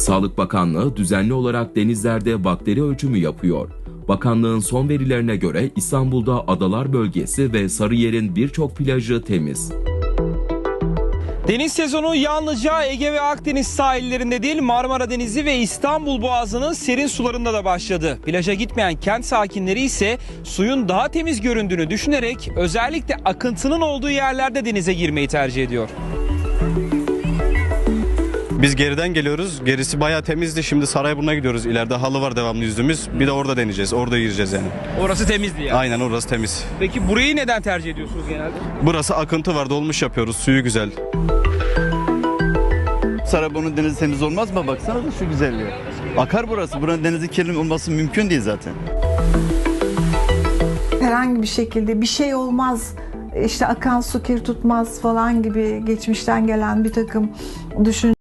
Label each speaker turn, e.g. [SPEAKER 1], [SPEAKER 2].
[SPEAKER 1] Sağlık Bakanlığı düzenli olarak denizlerde bakteri ölçümü yapıyor. Bakanlığın son verilerine göre İstanbul'da Adalar Bölgesi ve Sarıyer'in birçok plajı temiz.
[SPEAKER 2] Deniz sezonu yalnızca Ege ve Akdeniz sahillerinde değil, Marmara Denizi ve İstanbul Boğazı'nın serin sularında da başladı. Plaja gitmeyen kent sakinleri ise suyun daha temiz göründüğünü düşünerek özellikle akıntının olduğu yerlerde denize girmeyi tercih ediyor.
[SPEAKER 3] Biz geriden geliyoruz. Gerisi bayağı temizdi. Şimdi Sarayburnu'na gidiyoruz. İleride halı var devamlı yüzdüğümüz. Bir de orada deneyeceğiz. Orada gireceğiz yani.
[SPEAKER 2] Orası temizdi yani.
[SPEAKER 3] Aynen orası temiz.
[SPEAKER 2] Peki burayı neden tercih ediyorsunuz genelde?
[SPEAKER 3] Burası akıntı var. Dolmuş yapıyoruz. Suyu güzel.
[SPEAKER 4] Sarayburnu denizi temiz olmaz mı? Baksana da şu güzelliğe. Akar burası. Buranın denizi kirli olması mümkün değil zaten.
[SPEAKER 5] Herhangi bir şekilde bir şey olmaz, işte akan su kir tutmaz falan gibi geçmişten gelen bir takım düşünceler